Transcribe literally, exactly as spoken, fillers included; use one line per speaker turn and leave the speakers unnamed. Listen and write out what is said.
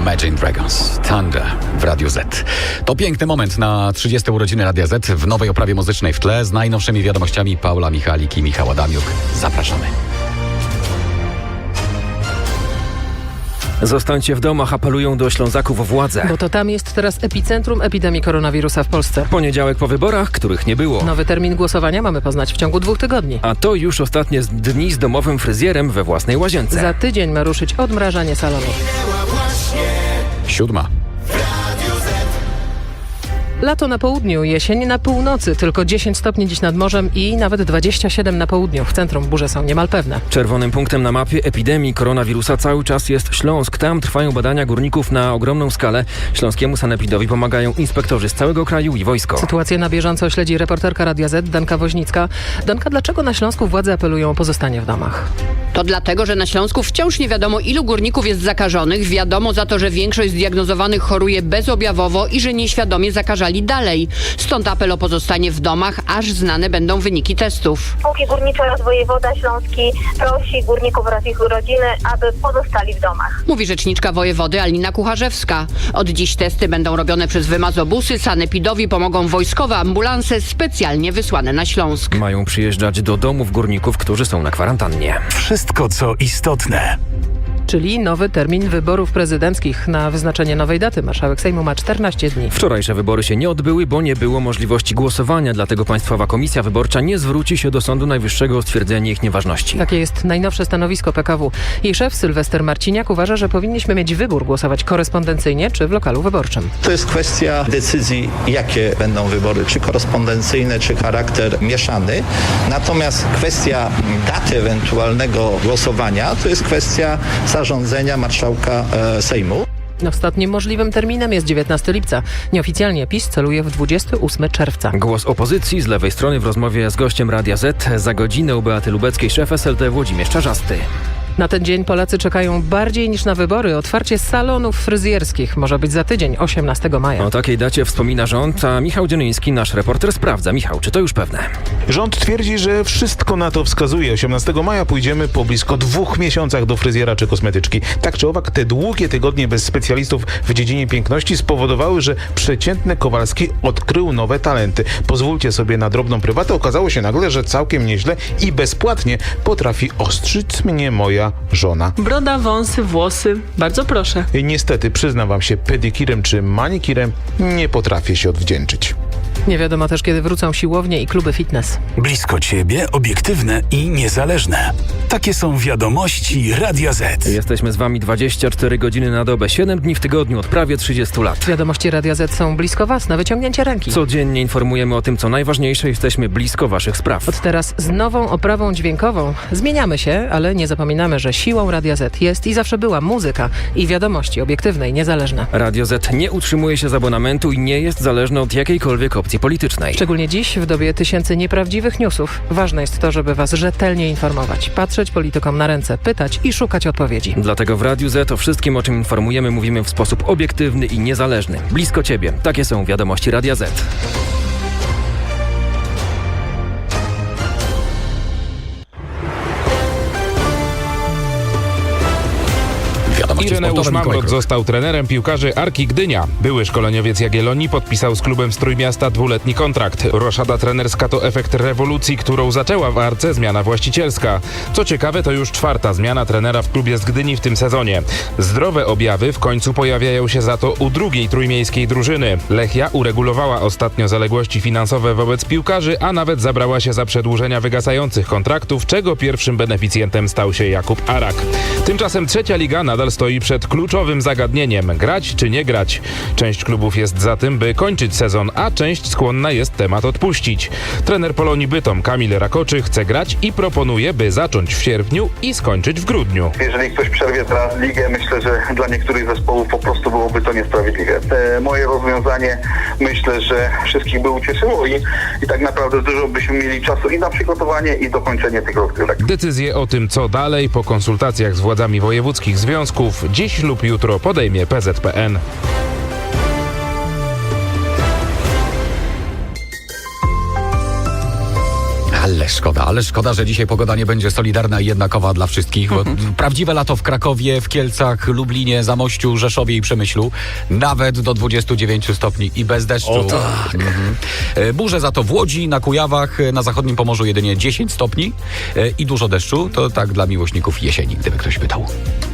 Imagine Dragons, Thunder w Radiu Z. To piękny moment na trzydzieste urodziny Radia Z w nowej oprawie muzycznej w tle z najnowszymi wiadomościami Paula Michalik i Michał Adamiuk. Zapraszamy.
Zostańcie w domach, apelują do Ślązaków władze.
Bo to tam jest teraz epicentrum epidemii koronawirusa w Polsce.
Poniedziałek po wyborach, których nie było.
Nowy termin głosowania mamy poznać w ciągu dwóch tygodni.
A to już ostatnie dni z domowym fryzjerem we własnej łazience.
Za tydzień ma ruszyć odmrażanie salonów.
Siódma.
Lato na południu, jesień na północy, tylko dziesięć stopni dziś nad morzem i nawet dwadzieścia siedem na południu. W centrum burze są niemal pewne.
Czerwonym punktem na mapie epidemii koronawirusa cały czas jest Śląsk. Tam trwają badania górników na ogromną skalę. Śląskiemu sanepidowi pomagają inspektorzy z całego kraju i wojsko.
Sytuację na bieżąco śledzi reporterka Radia Z, Danka Woźnicka. Danka, dlaczego na Śląsku władze apelują o pozostanie w domach?
To dlatego, że na Śląsku wciąż nie wiadomo, ilu górników jest zakażonych. Wiadomo za to, że większość zdiagnozowanych choruje bezobjawowo i że nieświadomie zakażali dalej. Stąd apel o pozostanie w domach, aż znane będą wyniki testów.
Spółki górnicze oraz wojewoda śląski prosi górników oraz ich rodziny, aby pozostali w domach.
Mówi rzeczniczka wojewody Alina Kucharzewska. Od dziś testy będą robione przez wymazobusy. Sanepidowi pomogą wojskowe ambulanse specjalnie wysłane na Śląsk.
Mają przyjeżdżać do domów górników, którzy są na kwarantannie.
Wszystko, co istotne.
Czyli nowy termin wyborów prezydenckich. Na wyznaczenie nowej daty marszałek Sejmu ma czternaście dni.
Wczorajsze wybory się nie odbyły, bo nie było możliwości głosowania, dlatego Państwowa Komisja Wyborcza nie zwróci się do Sądu Najwyższego o stwierdzenie ich nieważności.
Takie jest najnowsze stanowisko P K W. Jej szef Sylwester Marciniak uważa, że powinniśmy mieć wybór głosować korespondencyjnie czy w lokalu wyborczym.
To jest kwestia decyzji, jakie będą wybory, czy korespondencyjne, czy charakter mieszany. Natomiast kwestia daty ewentualnego głosowania to jest kwestia zarządzenia marszałka e, Sejmu.
Ostatnim możliwym terminem jest dziewiętnastego lipca. Nieoficjalnie PiS celuje w dwudziestego ósmego czerwca.
Głos opozycji z lewej strony w rozmowie z gościem Radia Z. Za godzinę u Beaty Lubeckiej szef S L D Włodzimierz Czarzasty.
Na ten dzień Polacy czekają bardziej niż na wybory. Otwarcie salonów fryzjerskich może być za tydzień, osiemnastego maja.
O takiej dacie wspomina rząd, a Michał Dzionyński, nasz reporter, sprawdza. Michał, czy to już pewne?
Rząd twierdzi, że wszystko na to wskazuje. osiemnastego maja pójdziemy po blisko dwóch miesiącach do fryzjera czy kosmetyczki. Tak czy owak, te długie tygodnie bez specjalistów w dziedzinie piękności spowodowały, że przeciętny Kowalski odkrył nowe talenty. Pozwólcie sobie na drobną prywatę. Okazało się nagle, że całkiem nieźle i bezpłatnie potrafi ostrzyc mnie moja żona.
Broda, wąsy, włosy. Bardzo proszę.
I niestety, przyznam wam się, pedikirem czy manikirem nie potrafię się odwdzięczyć.
Nie wiadomo też, kiedy wrócą siłownie i kluby fitness.
Blisko ciebie, obiektywne i niezależne. Takie są wiadomości Radia Z.
Jesteśmy z wami dwadzieścia cztery godziny na dobę, siedem dni w tygodniu od prawie trzydziestu lat.
Wiadomości Radia Z są blisko was, na wyciągnięcie ręki.
Codziennie informujemy o tym, co najważniejsze, jesteśmy blisko waszych spraw.
Od teraz z nową oprawą dźwiękową. Zmieniamy się, ale nie zapominamy, że siłą Radia Z jest i zawsze była muzyka i wiadomości obiektywne i niezależne.
Radio Z nie utrzymuje się z abonamentu i nie jest zależne od jakiejkolwiek opcji politycznej.
Szczególnie dziś, w dobie tysięcy nieprawdziwych newsów. Ważne jest to, żeby was rzetelnie informować, patrzeć politykom na ręce, pytać i szukać odpowiedzi.
Dlatego w Radiu Z o wszystkim, o czym informujemy, mówimy w sposób obiektywny i niezależny. Blisko ciebie. Takie są wiadomości Radia Z.
Ireneusz Mamrot został trenerem piłkarzy Arki Gdynia. Były szkoleniowiec Jagiellonii podpisał z klubem z Trójmiasta dwuletni kontrakt. Roszada trenerska to efekt rewolucji, którą zaczęła w Arce zmiana właścicielska. Co ciekawe, to już czwarta zmiana trenera w klubie z Gdyni w tym sezonie. Zdrowe objawy w końcu pojawiają się za to u drugiej trójmiejskiej drużyny. Lechia uregulowała ostatnio zaległości finansowe wobec piłkarzy, a nawet zabrała się za przedłużenia wygasających kontraktów, czego pierwszym beneficjentem stał się Jakub Arak. Tymczasem trzecia liga nadal stoi przed kluczowym zagadnieniem: grać czy nie grać. Część klubów jest za tym, by kończyć sezon, a część skłonna jest temat odpuścić. Trener Polonii Bytom Kamil Rakoczy chce grać i proponuje, by zacząć w sierpniu i skończyć w grudniu.
Jeżeli ktoś przerwie teraz ligę, myślę, że dla niektórych zespołów po prostu byłoby to niesprawiedliwe. Te moje rozwiązanie, myślę, że wszystkich by ucieszyło i, i tak naprawdę dużo byśmy mieli czasu i na przygotowanie, i dokończenie tych rozgrywek.
Decyzję o tym, co dalej, po konsultacjach z władzami wojewódzkich związków dziś lub jutro podejmie P Z P N.
Ale szkoda, ale szkoda, że dzisiaj pogoda nie będzie solidarna i jednakowa dla wszystkich. Bo prawdziwe lato w Krakowie, w Kielcach, Lublinie, Zamościu, Rzeszowie i Przemyślu. Nawet do dwudziestu dziewięciu stopni i bez deszczu.
O tak.
Mhm. E, Burze za to w Łodzi, na Kujawach, e, na zachodnim Pomorzu jedynie dziesięć stopni e, i dużo deszczu. To tak dla miłośników jesieni, gdyby ktoś pytał.